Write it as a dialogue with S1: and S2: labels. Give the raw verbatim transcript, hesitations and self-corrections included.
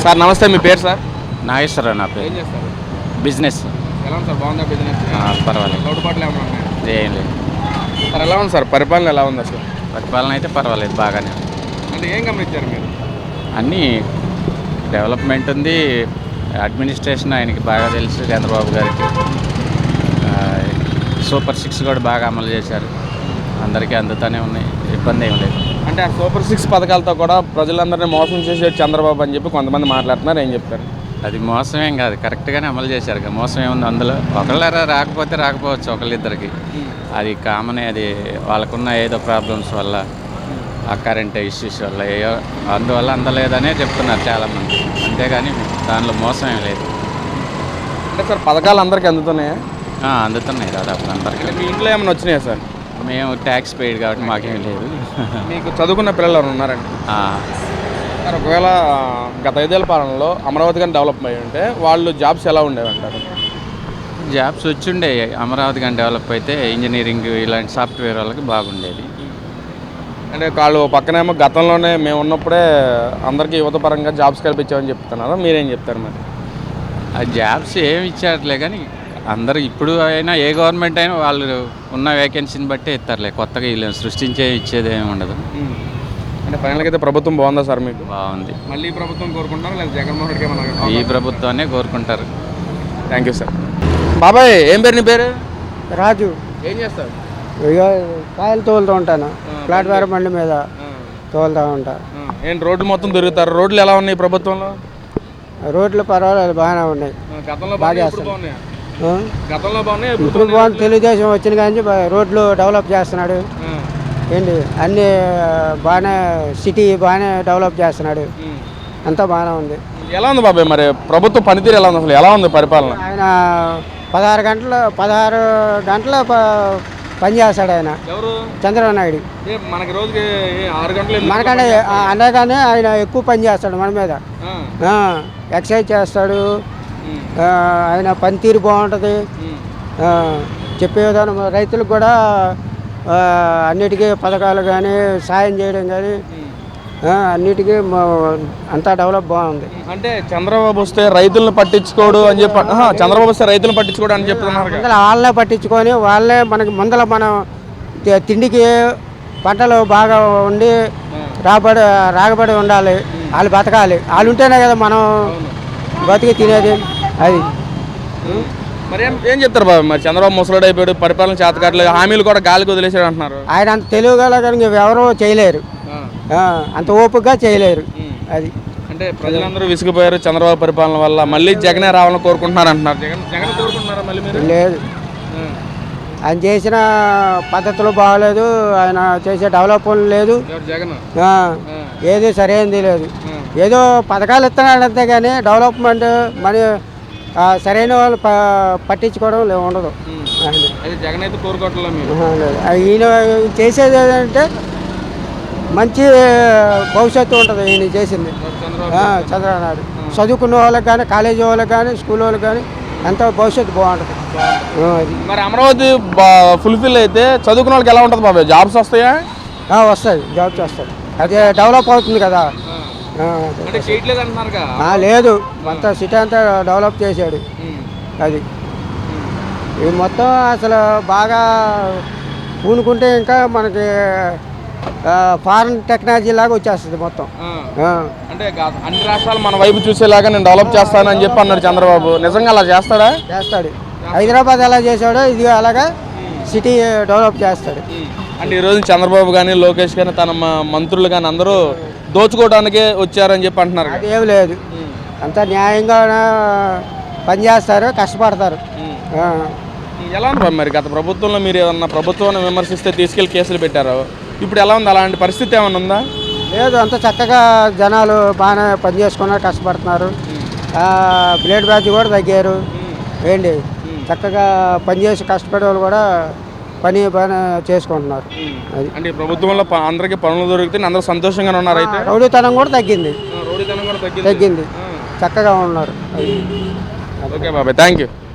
S1: Sir నమస్తే, మీ పేరు sir?
S2: Nageswararao నా
S1: ఏం
S2: పేరు.
S1: చేస్తారు?
S2: బిజినెస్
S1: ఎలా ఉంది సార్, బాగుందా బిజినెస్?
S2: ఆ, పర్వాలేదు,
S1: లోటుపాట్లు ఏమైనా ఉన్నాయా?
S2: ఏం లేదు.
S1: సార్ ఎలా ఉంది సార్, పరిపాలన ఎలా ఉంది అసలు?
S2: పరిపాలన అయితే పర్వాలేదు, బాగానే ఉంది.
S1: అంటే ఏం గమనించారు మీరు?
S2: అన్నీ డెవలప్మెంట్ ఉంది. అడ్మినిస్ట్రేషన్ ఆయనకి బాగా తెలుసు, చంద్రబాబు గారికి. ఆ, సూపర్ సిక్స్ కూడా బాగా అమలు చేశారు, అందరికీ అందుతూనే ఉన్నాయి, ఇబ్బంది ఏం లేదు.
S1: అంటే ఆ సూపర్ సిక్స్ పథకాలతో కూడా ప్రజలందరినీ మోసం చేసేది చంద్రబాబు అని చెప్పి కొంతమంది మాట్లాడుతున్నారు, ఏం చెప్తారు?
S2: అది మోసమేం కాదు, కరెక్ట్గానే అమలు చేశారు కదా. మోసం ఏముంది అందులో? ఒకళ్ళ రాకపోతే రాకపోవచ్చు, ఒకళ్ళిద్దరికి, అది కామనే. అది వాళ్ళకున్న ఏదో ప్రాబ్లమ్స్ వల్ల, ఆ కరెంట్ ఇష్యూస్ వల్ల, ఏయో అందువల్ల అందలేదనే చెప్తున్నారు చాలామంది, అంతేగాని దానిలో మోసం ఏం లేదు.
S1: అంటే సార్ పథకాలు అందరికీ అందుతున్నాయా?
S2: ఆ, అందుతున్నాయి దాదాపు అందరికీ.
S1: అంటే మీ ఇంట్లో ఏమైనా వచ్చినాయా సార్?
S2: మేము ట్యాక్స్ పెయిడ్ కాబట్టి మాకేం లేదు.
S1: మీకు చదువుకున్న పిల్లలు ఎవరు ఉన్నారండి?
S2: ఆ,
S1: సార్ ఒకవేళ గత ఐదేళ్ల పాలనలో అమరావతి కానీ డెవలప్ అయ్యి ఉంటే వాళ్ళు జాబ్స్ ఎలా ఉండేవి అంటారు?
S2: జాబ్స్ వచ్చిండే, అమరావతి కానీ డెవలప్ అయితే ఇంజనీరింగ్ ఇలాంటి సాఫ్ట్వేర్ వాళ్ళకి బాగుండేది.
S1: అంటే వాళ్ళు పక్కనేమో గతంలోనే మేము ఉన్నప్పుడే అందరికీ యువత పరంగా జాబ్స్ కల్పించామని చెప్తున్నారు, మీరేం చెప్తారు మరి?
S2: ఆ జాబ్స్ ఏమి ఇచ్చారులే కానీ అందరూ ఇప్పుడు అయినా ఏ గవర్నమెంట్ అయినా వాళ్ళు ఉన్న వేకెన్సీని బట్టే ఇస్తారులే, కొత్తగా వీళ్ళు సృష్టించే ఇచ్చేది ఏమి ఉండదు.
S1: అంటే ఫైనల్గా అయితే ప్రభుత్వం బాగుందా సార్ మీకు?
S2: బాగుంది.
S1: మళ్ళీ ఈ ప్రభుత్వం కోరుకుంటారా లేదా జగన్మోహన్ రెడ్డి ఏమన్నా?
S2: ఈ ప్రభుత్వాన్ని కోరుకుంటారు.
S1: Thank you sir. బాబాయ్ ఏం పేరు నీ పేరు?
S3: రాజు.
S1: ఏం చేస్తారు?
S3: ఇక కాయలు తోలుతూ ఉంటాను, ప్లాట్ఫారం బండి మీద తోలుతూ ఉంటా.
S1: ఏంటి రోడ్లు మొత్తం తిరుగుతారు, రోడ్లు ఎలా ఉన్నాయి ప్రభుత్వంలో?
S3: రోడ్లు పర్వాలేదు, బాగానే ఉన్నాయి.
S1: గతంలో
S3: బాగా
S1: బాగా
S3: చేస్తారు.
S1: బాగున్నాయి.
S3: ఆ?
S1: గతంలో బాగున్నాయి,
S3: ఇప్పుడు బాగుంది. తెలుగుదేశం వచ్చిన కానీ రోడ్లు డెవలప్ చేస్తున్నాడు. ఏంటి అన్నీ బాగానే, సిటీ బాగానే డెవలప్ చేస్తున్నాడు, అంతా బాగానే ఉంది.
S1: ఎలా ఉంది బాబాయ్ మరి ప్రభుత్వ పనితీరు ఎలా ఉంది, అసలు ఎలా ఉంది పరిపాలన?
S3: ఆయన పదహారు గంటలు పదహారు గంటల ప- పని చేస్తాడు ఆయన.
S1: ఎవరు?
S3: చంద్రబాబు నాయుడు.
S1: మనకి రోజుకి ఆరు గంటలు
S3: మనకంటే అనగానే ఆయన ఎక్కువ పని చేస్తాడు మన మీద. ఎక్సర్సైజ్ చేస్తాడు, ఆ, ఆయన పనితీరు బాగుంటుంది. ఆ, చెప్పే విధానం రైతులకు కూడా ఆ, అన్నిటికీ పథకాలు కానీ సాయం చేయడం కానీ అన్నిటికీ మ- అంతా డెవలప్ బాగుంది.
S1: అంటే చంద్రబాబు వస్తే రైతులను పట్టించుకోడు అని చెప్పి, ఆహా, చంద్రబాబు వస్తే రైతులను పట్టించుకోడు అని చెప్తున్నారు కదా.
S3: ముందర వాళ్ళనే పట్టించుకొని వాళ్ళే మనకి ముందర మనం తి- తిండికి పంటలు బాగా ఉండి రాబడి రాగబడి ఉండాలి, వాళ్ళు బతకాలి. వాళ్ళు ఉంటేనే కదా మనం బతికి తినేది. అది
S1: మరి ఏం ఏం చెప్తారు బాబు, మరి చంద్రబాబు ముసలాడు అయిపోయాడు, పరిపాలన చేతకాట్లేదు, హామీలు కూడా గాలికి వదిలేసాడు అంటున్నారు.
S3: ఆయన అంత తెలివి గల కానీ ఎవరూ చేయలేరు, ఆ, అంత ఓపికగా చేయలేరు. అది
S1: అంటే ప్రజలందరూ విసిగిపోయారు చంద్రబాబు పరిపాలన వల్ల, మళ్ళీ జగనే రావాలని కోరుకుంటున్నారు అంటున్నారు. జగన్ జగన్ కోరుకుంటున్నారా మళ్ళీ మీరు?
S3: లేదు, ఆయన చేసిన పద్ధతులు బాగలేదు, ఆయన చేసే డెవలప్ లేదు,
S1: ఎవరు జగన్?
S3: ఆ, ఏది సరైనది లేదు. ఏదో పథకాలు ఇస్తున్నాడు అంతే కానీ డెవలప్మెంట్ మరి ఆ, సరైన వాళ్ళు ప పట్టించుకోవడం లే- ఉండదు. అది.
S1: అయితే జగన్ అయితే కోరుకోవట్లేదు మీరు?
S3: ఆహా, లేదు. ఆ, ఈయన చేసేది ఏంటంటే మంచి భవిష్యత్తు ఉంటుంది ఈయన చేసింది.
S1: చంద్రబాబు
S3: ఆ, చంద్రబాబు నాయుడు చదువుకున్న వాళ్ళకి కానీ, కాలేజీ వాళ్ళకి కానీ, స్కూల్ వాళ్ళకి కానీ ఎంతో భవిష్యత్తు బాగుంటుంది. ఆ, అది.
S1: మరి అమరావతి ఫుల్ఫిల్ అయితే చదువుకున్న వాళ్ళకి ఎలా ఉంటుంది బాబాయ్, జాబ్స్ వస్తాయా?
S3: ఆ, వస్తుంది, జాబ్స్ వస్తుంది. అది డెవలప్ అవుతుంది కదా. ఆ,
S1: అంటే చేయట్లేదు అంటున్నారుగా.
S3: ఆ, లేదు, మొత్తం సిటీ అంతా డెవలప్ చేశాడు. అది ఇది మొత్తం అసలు బాగా పూనుకుంటే ఇంకా మనకి ఫారెన్ టెక్నాలజీ లాగా వచ్చేస్తుంది మొత్తం. ఆ.
S1: అంటే గా- అన్ని రాష్ట్రాలు మన వైపు చూసేలాగా నేను డెవలప్ చేస్తానని చెప్పి అన్నాడు చంద్రబాబు, నిజంగా అలా చేస్తాడా?
S3: చేస్తాడు. హైదరాబాద్ ఎలా చేశాడో ఇది అలాగా సిటీ డెవలప్ చేస్తాడు.
S1: అంటే ఈరోజు చంద్రబాబు కానీ లోకేష్ కానీ తన మ- మంత్రులు కానీ అందరూ దోచుకోవడానికే వచ్చారని చెప్పి అంటున్నారు కదా.
S3: అది ఏమి లేదు, అంతా న్యాయంగా పనిచేస్తారు, కష్టపడతారు. ఆ.
S1: ఎలా ఉంది బాబు మరి గత ప్రభుత్వంలో మీరు ఏమన్నా ప్రభుత్వాన్ని విమర్శిస్తే తీసుకెళ్లి కేసులు పెట్టారు, ఇప్పుడు ఎలా ఉంది, అలాంటి పరిస్థితి ఏమైనా ఉందా?
S3: లేదు, అంత చక్కగా జనాలు బాగానే పని చేసుకున్నారు, కష్టపడుతున్నారు. బ్లేడ్ బ్యాచ్ కూడా తగ్గారు. ఏంటి చక్కగా పనిచేసి కష్టపడే వాళ్ళు కూడా పని బాగానే చేసుకుంటున్నారు. అది
S1: అంటే ఈ ప్రభుత్వంలో ప- అందరికీ పనులు దొరికితే అందరూ సంతోషంగానే ఉన్నారు. అయితే
S3: రౌడీతనం కూడా తగ్గింది,
S1: రౌడీతనం కూడా తగ్గింది.
S3: తగ్గింది, చక్కగా ఉన్నారు. అది
S1: ఓకే బాబాయ్, థ్యాంక్ యూ.